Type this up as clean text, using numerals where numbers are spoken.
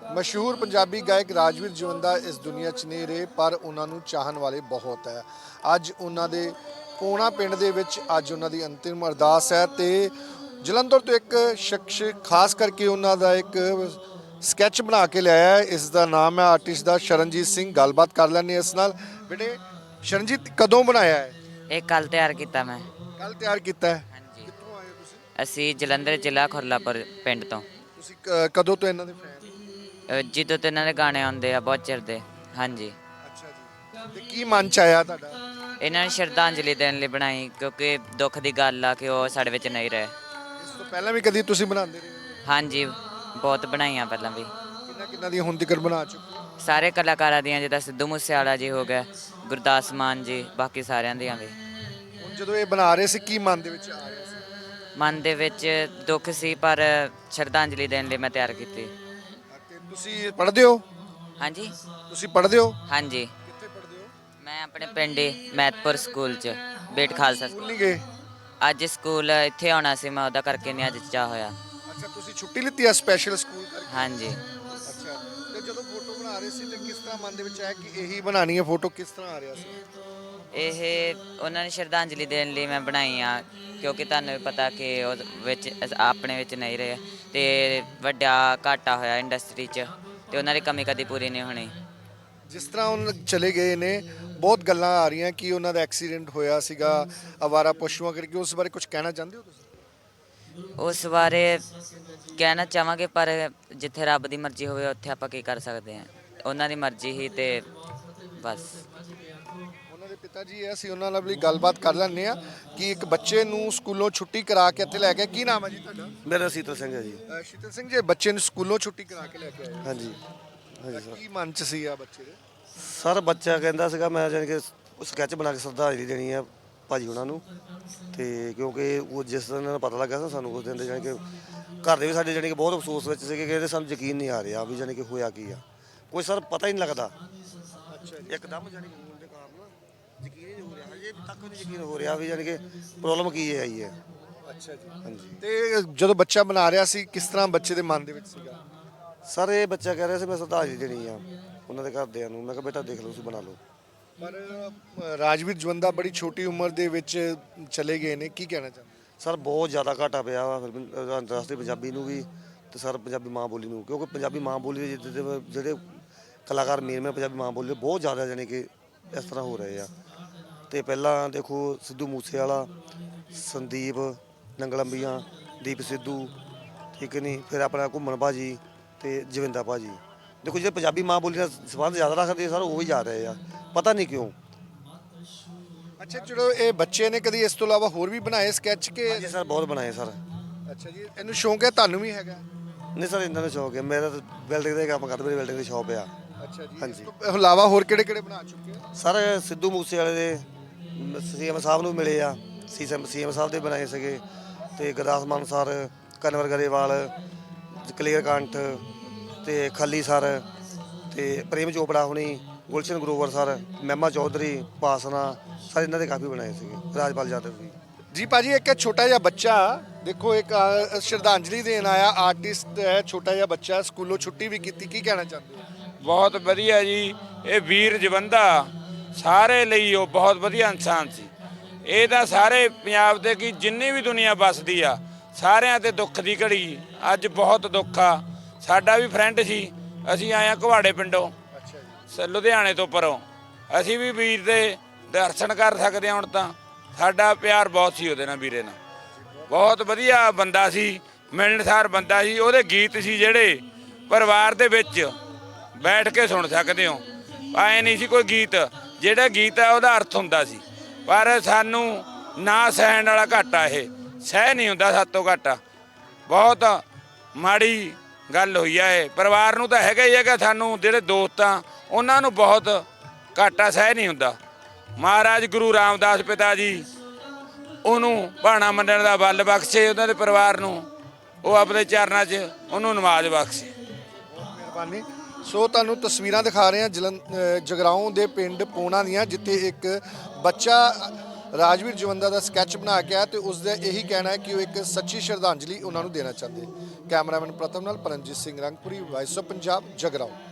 ਮਸ਼ਹੂਰ ਪੰਜਾਬੀ ਗਾਇਕ ਰਾਜਵੀਰ ਜਵੰਦਾ ਇਸ ਦੁਨੀਆ 'ਚ ਨਹੀਂ ਰਹੇ, ਪਰ ਉਹਨਾਂ ਨੂੰ ਚਾਹਣ ਵਾਲੇ ਬਹੁਤ ਹੈ। ਅੱਜ ਉਹਨਾਂ ਦੇ ਪੋਣਾ ਪਿੰਡ ਦੇ ਵਿੱਚ ਅੱਜ ਉਹਨਾਂ ਦੀ ਅੰਤਿਮ ਅਰਦਾਸ ਹੈ ਤੇ ਜਲੰਧਰ ਤੋਂ ਇੱਕ ਸ਼ਖਸ ਖਾਸ ਕਰਕੇ ਉਹਨਾਂ ਦਾ ਇੱਕ ਸਕੈਚ ਬਣਾ ਕੇ ਲਿਆਇਆ ਹੈ। ਇਸ ਦਾ ਨਾਮ ਹੈ ਆਰਟਿਸਟ ਦਾ ਸ਼ਰਨਜੀਤ ਸਿੰਘ। ਗੱਲਬਾਤ ਕਰ ਲੈਂਦੇ ਇਸ ਨਾਲ। ਬੇਟੇ ਸ਼ਰਨਜੀਤ, ਕਦੋਂ ਬਣਾਇਆ ਹੈ? ਇਹ ਕੱਲ ਤਿਆਰ ਕੀਤਾ ਮੈਂ। ਕੱਲ ਤਿਆਰ ਕੀਤਾ ਹੈ। ਹਾਂਜੀ, ਕਿੱਥੋਂ ਆਏ ਹੋ ਤੁਸੀਂ? ਅਸੀਂ ਜਲੰਧਰ ਜ਼ਿਲ੍ਹਾ ਖੁਰਲਾਪੁਰ ਪਿੰਡ ਤੋਂ। ਤੁਸੀਂ ਕਦੋਂ ਤੋਂ ਇਹਨਾਂ ਦੇ ਫੈਨ? ਜਦੋਂ ਤੋਂ ਇਹਨਾਂ ਦੇ ਗਾਣੇ ਆਉਂਦੇ ਆ ਬਹੁਤ ਚਿਰ ਦੇ। ਹਾਂਜੀ, ਅੱਛਾ ਜੀ। ਤੇ ਕੀ ਮਨ ਚ ਆਇਆ ਤੁਹਾਡਾ? ਇਹਨਾਂ ਨੇ ਸ਼ਰਧਾਂਜਲੀ ਦੇਣ ਲਈ ਬਣਾਈ ਕਿਉਂਕਿ ਦੁੱਖ ਦੀ ਗੱਲ ਆ ਕਿ ਉਹ ਸਾਡੇ ਵਿੱਚ ਨਹੀਂ ਰਹੇ। ਇਸ ਤੋਂ ਪਹਿਲਾਂ ਵੀ ਕਦੀ ਤੁਸੀਂ ਬਣਾਉਂਦੇ ਰਹੇ ਹੋ? ਹਾਂਜੀ, ਬਹੁਤ ਬਣਾਈਆਂ ਪਹਿਲਾਂ ਵੀ। ਕਿੰਨਾ ਕਿੰਨਾ ਦੀਆਂ ਹੁਣ ਤੱਕ ਬਣਾ ਚੁੱਕੇ ਹੋ? ਸਾਰੇ ਕਲਾਕਾਰਾਂ ਦੀਆਂ, ਜਿੱਦਾਂ ਸਿੱਧੂ ਮੂਸੇਵਾਲਾ ਜੀ ਹੋ ਗਿਆ, ਗੁਰਦਾਸ ਮਾਨ ਜੀ, ਬਾਕੀ ਸਾਰਿਆਂ ਦੀਆਂ ਵੀ। ਹੁਣ ਜਦੋਂ ਇਹ ਬਣਾ ਰਹੇ ਸੀ ਕੀ ਮਨ ਦੇ ਵਿੱਚ ਆ ਰਿਹਾ ਸੀ? ਮਨ ਦੇ ਵਿੱਚ ਦੁੱਖ ਸੀ, ਪਰ ਸ਼ਰਧਾਂਜਲੀ ਦੇਣ ਲਈ ਮੈਂ ਤਿਆਰ ਕੀਤੀ। ਤੇ ਤੁਸੀਂ ਪੜ੍ਹਦੇ ਹੋ? ਹਾਂਜੀ ਤੁਸੀਂ ਪੜ੍ਹਦੇ ਹੋ? ਹਾਂਜੀ, ਕਿੱਥੇ ਪੜ੍ਹਦੇ ਹੋ? ਮੈਂ ਆਪਣੇ ਪਿੰਡ ਹੀ ਮਹਿਤਪੁਰ ਸਕੂਲ 'ਚ, ਬੇਟ ਖਾਲਸਾ ਸਕੂਲ ਸਕੂਲ। ਨਹੀਂ ਗਏ? ਅੱਜ ਸਕੂਲ ਇੱਥੇ ਆਉਣਾ ਸੀ ਮੈਂ, ਉਹਦਾ ਕਰਕੇ ਨਹੀਂ ਅੱਜ ਚਾਹ ਹੋਇਆ। ਅੱਛਾ, ਤੁਸੀਂ ਛੁੱਟੀ ਲਿੱਤੀ ਆ ਸਪੈਸ਼ਲ ਸਕੂਲ ਕਰਕੇ? ਹਾਂਜੀ, ਅੱਛਾ। ਤੇ ਜਦੋਂ ਫੋਟੋ ਬਣਾ ਰਹੇ ਸੀ ਤੇ ਕਿਸ ਤਰ੍ਹਾਂ ਮਨ ਦੇ ਵਿੱਚ ਆਇਆ ਕਿ ਇਹੀ ਬਣਾਣੀ ਹੈ ਫੋਟੋ? ਕਿਸ ਤਰ੍ਹਾਂ ਆ ਰਿਹਾ ਸੀ? ਇਹ ਉਹਨਾਂ ਨੇ ਸ਼ਰਧਾਂਜਲੀ ਦੇਣ ਲਈ ਮੈਂ ਬਣਾਈ ਆ ਕਿਉਂਕਿ ਤੁਹਾਨੂੰ ਵੀ ਪਤਾ ਕਿ ਉਹ ਵਿੱਚ ਆਪਣੇ ਵਿੱਚ ਨਹੀਂ ਰਹੇ ਤੇ ਵੱਡਾ ਘਾਟਾ ਹੋਇਆ ਇੰਡਸਟਰੀ 'ਚ ਤੇ ਉਹਨਾਂ ਦੀ ਕਮੀ ਕਦੀ ਪੂਰੀ ਨਹੀਂ ਹੋਣੀ। ਜਿਸ ਤਰ੍ਹਾਂ ਉਹ ਚਲੇ ਗਏ ਨੇ, ਬਹੁਤ ਗੱਲਾਂ ਆ ਰਹੀਆਂ ਕਿ ਉਹਨਾਂ ਦਾ ਐਕਸੀਡੈਂਟ ਹੋਇਆ ਸੀਗਾ ਅਵਾਰਾ ਪਸ਼ੂਆਂ ਕਰਕੇ। ਉਸ ਬਾਰੇ ਕੁਝ ਕਹਿਣਾ ਚਾਹੁੰਦੇ ਹੋ ਤੁਸੀਂ? ਉਸ ਬਾਰੇ ਕਹਿਣਾ ਚਾਹਾਂਗੇ, ਪਰ ਜਿੱਥੇ ਰੱਬ ਦੀ ਮਰਜ਼ੀ ਹੋਵੇ ਉੱਥੇ ਆਪਾਂ ਕੀ ਕਰ ਸਕਦੇ ਹਾਂ। ਉਹਨਾਂ ਦੀ ਮਰਜ਼ੀ ਹੀ ਤੇ ਬਸ। ਉਹਨਾਂ ਦੇ ਪਿਤਾ ਜੀ, ਅਸੀਂ ਉਹਨਾਂ ਨਾਲ ਵੀ ਗੱਲਬਾਤ ਕਰ ਲੈਂਦੇ ਆ ਕਿ ਇੱਕ ਬੱਚੇ ਨੂੰ ਸਕੂਲੋਂ ਛੁੱਟੀ ਕਰਾ ਕੇ ਇੱਥੇ ਲੈ ਕੇ। ਕੀ ਨਾਮ ਹੈ ਜੀ ਤੁਹਾਡਾ? ਮੇਰਾ ਸੀਤਲ ਸਿੰਘ ਹੈ ਜੀ। ਸ਼ੀਤਲ ਸਿੰਘ ਜੀ, ਬੱਚੇ ਨੂੰ ਸਕੂਲੋਂ ਛੁੱਟੀ ਕਰਾ ਕੇ ਲੈ ਕੇ ਆਏ ਹੋ। ਹਾਂਜੀ ਹਾਂਜੀ ਸਰ। ਕੀ ਮਨ ਚ ਸੀ ਆ ਬੱਚੇ ਦੇ? ਸਰ ਬੱਚਾ ਕਹਿੰਦਾ ਸੀਗਾ ਮੈਂ ਜਾਣੀ ਕਿ ਸਕੈਚ ਬਣਾ ਕੇ ਸ਼ਰਧਾਂਜਲੀ ਦੇਣੀ ਆ ਭਾਜੀ ਉਹਨਾਂ ਨੂੰ, ਤੇ ਕਿਉਂਕਿ ਉਹ ਜਿਸ ਦਿਨ ਇਹਨਾਂ ਨੂੰ ਪਤਾ ਲੱਗਾ ਸੀ ਸਾਨੂੰ ਉਸ ਦਿਨ ਦੇ ਜਾਣੀ ਕਿ ਘਰ ਦੇ ਵੀ ਸਾਡੇ ਜਾਣੀ ਕਿ ਬਹੁਤ ਅਫਸੋਸ ਵਿੱਚ ਸੀਗੇ ਕਿ ਇਹਦੇ ਸਾਨੂੰ ਯਕੀਨ ਨਹੀਂ ਆ ਰਿਹਾ ਵੀ ਜਾਣੀ ਕਿ ਹੋਇਆ ਕੀ ਆ। ਕੋਈ ਸਰ ਪਤਾ ਹੀ ਨਹੀਂ ਲੱਗਦਾ। ਅੱਛਾ ਜੀ। ਇੱਕਦਮ ਜਾਣੀ ਕਿ ਹੋਣ ਦੇ ਕਾਰਨ ਯਕੀਨ ਹੀ ਨਹੀਂ ਹੋ ਰਿਹਾ, ਹਜੇ ਤੱਕ ਨਹੀਂ ਯਕੀਨ ਹੋ ਰਿਹਾ ਵੀ ਜਾਣੀ ਕਿ ਪ੍ਰੋਬਲਮ ਕੀ ਹੈ ਆਈ ਹੈ। ਅੱਛਾ ਜੀ। ਹਾਂਜੀ ਤੇ ਜਦੋਂ ਬੱਚਾ ਬਣਾ ਰਿਹਾ ਸੀ ਕਿਸ ਤਰ੍ਹਾਂ ਬੱਚੇ ਦੇ ਮਨ ਦੇ ਵਿੱਚ ਸੀਗਾ? ਸਰ ਇਹ ਬੱਚਾ ਕਹਿ ਰਿਹਾ ਸੀ ਮੈਂ ਸ਼ਰਧਾਂਜਲੀ ਦੇਣੀ ਆ ਉਹਨਾਂ ਦੇ ਘਰਦਿਆਂ ਨੂੰ। ਮੈਂ ਕਿਹਾ ਬੇਟਾ ਦੇਖ ਲਓ ਤੁਸੀਂ ਬਣਾ ਲਓ। ਪਰ ਰਾਜਵੀਰ ਜਵੰਦਾ ਬੜੀ ਛੋਟੀ ਉਮਰ ਦੇ ਵਿੱਚ ਚਲੇ ਗਏ ਨੇ, ਕੀ ਕਹਿਣਾ ਚਾਹੁੰਦੇ? ਸਰ ਬਹੁਤ ਜ਼ਿਆਦਾ ਘਾਟਾ ਪਿਆ ਵਾ ਫਿਰ ਅੰਤਰਰਾਸ਼ਟਰੀ ਪੰਜਾਬੀ ਨੂੰ ਵੀ ਤੇ ਸਰ ਪੰਜਾਬੀ ਮਾਂ ਬੋਲੀ ਨੂੰ, ਕਿਉਂਕਿ ਪੰਜਾਬੀ ਮਾਂ ਬੋਲੀ ਦੇ ਜਿਹੜੇ ਕਲਾਕਾਰ ਮੇਨ ਪੰਜਾਬੀ ਮਾਂ ਬੋਲੀ ਦੇ ਬਹੁਤ ਜ਼ਿਆਦਾ ਜਾਣੀ ਕਿ ਇਸ ਤਰ੍ਹਾਂ ਹੋ ਰਹੇ ਆ। ਤੇ ਪਹਿਲਾਂ ਦੇਖੋ ਸਿੱਧੂ ਮੂਸੇਵਾਲਾ, ਸੰਦੀਪ ਨੰਗਲੰਬੀਆਂ, ਦੀਪ ਸਿੱਧੂ, ਠੀਕ ਨਹੀਂ, ਫਿਰ ਆਪਣਾ ਘੁੰਮਣ ਭਾਜੀ ਤੇ ਜਵਿੰਦਾ ਭਾਜੀ। ਦੇਖੋ ਜਿਹੜੇ ਪੰਜਾਬੀ ਮਾਂ ਬੋਲੀ ਨਾਲ ਸੰਬੰਧ ਜ਼ਿਆਦਾ ਰੱਖਦੇ ਸਰ ਉਹ ਹੀ ਜਾ ਰਹੇ ਆ, ਪਤਾ ਨਹੀਂ ਕਿਉਂ। ਅੱਛਾ, ਚਲੋ ਇਹ ਬੱਚੇ ਨੇ ਕਦੀ ਇਸ ਤੋਂ ਇਲਾਵਾ ਹੋਰ ਵੀ ਬਣਾਏ ਸਕੈਚ ਕੇ? ਹਾਂਜੀ ਸਰ ਬਹੁਤ ਬਣਾਏ ਸਰ। ਅੱਛਾ ਜੀ, ਇਹਨੂੰ ਸ਼ੌਂਕ ਹੈ, ਤੁਹਾਨੂੰ ਵੀ ਹੈਗਾ? ਨਹੀਂ ਸਰ ਇਹਨਾਂ ਦਾ ਸ਼ੌਕ ਹੈ, ਮੇਰਾ ਤਾਂ ਬਿਲਡਿੰਗ ਦਾ ਕੰਮ ਕਰਦਾ, ਮੇਰੀ ਬਿਲਡਿੰਗ ਦੀ ਸ਼ੌਪ ਆ। ਅੱਛਾ ਜੀ। ਹਾਂਜੀ। ਇਸ ਤੋਂ ਇਲਾਵਾ ਹੋਰ ਕਿਹੜੇ ਕਿਹੜੇ ਬਣਾ ਚੁੱਕੇ ਹੋ? ਸਰ ਸਿੱਧੂ ਮੂਸੇਵਾਲੇ ਦੇ ਸੀਐਮ ਸਾਹਿਬ ਨੂੰ ਮਿਲੇ ਆ, ਸੀਐਮ ਸਾਹਿਬ ਦੇ ਬਣਾਏ ਸੀਗੇ, ਤੇ ਗੁਰਦਾਸ ਮਾਨ ਸਰ, ਕਨਵਰ ਗਰੇਵਾਲ, ਕਲੀਅਰ ਕੰਠ ਤੇ ਖੱਲੀ ਸਰ ਤੇ ਪ੍ਰੇਮ ਚੋਪੜਾ ਹੁਣੀ, ਗੁਲਸ਼ਨ ਗਰੋਵਰ ਸਰ, ਮਹਿਮਾ ਚੌਧਰੀ, ਪਾਸਨਾ ਸਰ, ਇਹਨਾਂ ਦੇ ਕਾਫੀ ਬਣਾਏ ਸੀਗੇ, ਰਾਜਪਾਲ ਯਾਦਵ ਵੀ। ਜੀ ਭਾਜੀ, ਇੱਕ ਛੋਟਾ ਜਿਹਾ ਬੱਚਾ ਦੇਖੋ, ਇੱਕ ਸ਼ਰਧਾਂਜਲੀ ਦੇਣ ਆਇਆ ਆਰਟਿਸਟ ਹੈ, ਛੋਟਾ ਜਿਹਾ ਬੱਚਾ, ਸਕੂਲੋਂ ਛੁੱਟੀ ਵੀ ਕੀਤੀ, ਕੀ ਕਹਿਣਾ ਚਾਹੁੰਦੇ ਹੋ? ਬਹੁਤ ਵਧੀਆ ਜੀ। ਇਹ ਵੀਰ ਜਵੰਦਾ ਸਾਰੇ ਲਈ ਉਹ ਬਹੁਤ ਵਧੀਆ ਇਨਸਾਨ ਸੀ। ਇਹ ਤਾਂ ਸਾਰੇ ਪੰਜਾਬ ਦੇ ਕੀ ਜਿੰਨੀ ਵੀ ਦੁਨੀਆ ਵੱਸਦੀ ਆ ਸਾਰਿਆਂ ਤੇ ਦੁੱਖ ਦੀ ਘੜੀ ਅੱਜ ਬਹੁਤ ਦੁੱਖ ਆ। ਸਾਡਾ ਵੀ ਫਰੈਂਡ ਸੀ, ਅਸੀਂ ਆਏ ਹਾਂ ਘਵਾੜੇ ਪਿੰਡੋਂ, ਲੁਧਿਆਣੇ ਤੋਂ ਪਰੋਂ। ਅਸੀਂ ਵੀ ਵੀਰ ਦੇ ਦਰਸ਼ਨ ਕਰ ਸਕਦੇ ਹਾਂ ਹੁਣ ਤਾਂ। ਸਾਡਾ ਪਿਆਰ ਬਹੁਤ ਸੀ ਉਹਦੇ ਨਾਲ, ਵੀਰੇ ਨਾਲ। ਬਹੁਤ ਵਧੀਆ ਬੰਦਾ ਸੀ, ਮਿਲਣਸਾਰ ਬੰਦਾ ਸੀ। ਉਹਦੇ ਗੀਤ ਸੀ ਜਿਹੜੇ ਪਰਿਵਾਰ ਦੇ ਵਿੱਚ ਬੈਠ ਕੇ ਸੁਣ ਸਕਦੇ ਹੋ। ਐਂ ਨਹੀਂ ਸੀ ਕੋਈ ਗੀਤ, ਜਿਹੜਾ ਗੀਤ ਹੈ ਉਹਦਾ ਅਰਥ ਹੁੰਦਾ ਸੀ। ਪਰ ਸਾਨੂੰ ਨਾ ਸਹਿਣ ਵਾਲਾ ਘਾਟਾ, ਇਹ ਸਹਿ ਨਹੀਂ ਹੁੰਦਾ ਸਾਤੋਂ ਘਾਟਾ। ਬਹੁਤ ਮਾੜੀ ਗੱਲ ਹੋਈ ਆ ਇਹ। ਪਰਿਵਾਰ ਨੂੰ ਤਾਂ ਹੈਗਾ ਹੀ ਹੈਗਾ, ਸਾਨੂੰ ਜਿਹੜੇ ਦੋਸਤ ਆ ਉਹਨਾਂ ਨੂੰ ਬਹੁਤ ਘਾਟਾ ਸਹਿ ਨਹੀਂ ਹੁੰਦਾ। ਮਹਾਰਾਜ ਗੁਰੂ ਰਾਮਦਾਸ ਪਿਤਾ ਜੀ ਉਹਨੂੰ ਭਾਣਾ ਮੰਨਣ ਦਾ ਬਲ ਬਖਸ਼ੇ, ਉਹਨਾਂ ਦੇ ਪਰਿਵਾਰ ਨੂੰ ਉਹ ਆਪਣੇ ਚਰਨਾਂ 'ਚ ਉਹਨੂੰ ਨਵਾਜ਼ ਬਖਸ਼ੇ। ਮਿਹਰਬਾਨੀ। ਸੋ ਤੁਹਾਨੂੰ ਤਸਵੀਰਾਂ ਦਿਖਾ ਰਹੇ ਹਾਂ ਜਗਰਾਓਂ ਦੇ ਪਿੰਡ ਪੋਣਾ ਦੀਆਂ, ਜਿੱਥੇ ਇੱਕ ਬੱਚਾ ਰਾਜਵੀਰ ਜਵੰਦਾ ਦਾ ਸਕੈਚ ਬਣਾ ਕੇ ਆਇਆ ਤੇ ਉਸ ਦਾ ਇਹੀ ਕਹਿਣਾ ਹੈ ਕਿ ਉਹ ਇੱਕ ਸੱਚੀ ਸ਼ਰਧਾਂਜਲੀ ਉਹਨਾਂ ਨੂੰ ਦੇਣਾ ਚਾਹੁੰਦੇ। ਕੈਮਰਾਮੈਨ ਪ੍ਰਤਮ ਨਾਲ ਪਰਮਜੀਤ ਸਿੰਘ ਰੰਗਪੁਰੀ, ਵਾਇਸ ਆਫ ਪੰਜਾਬ, ਜਗਰਾਉਂ।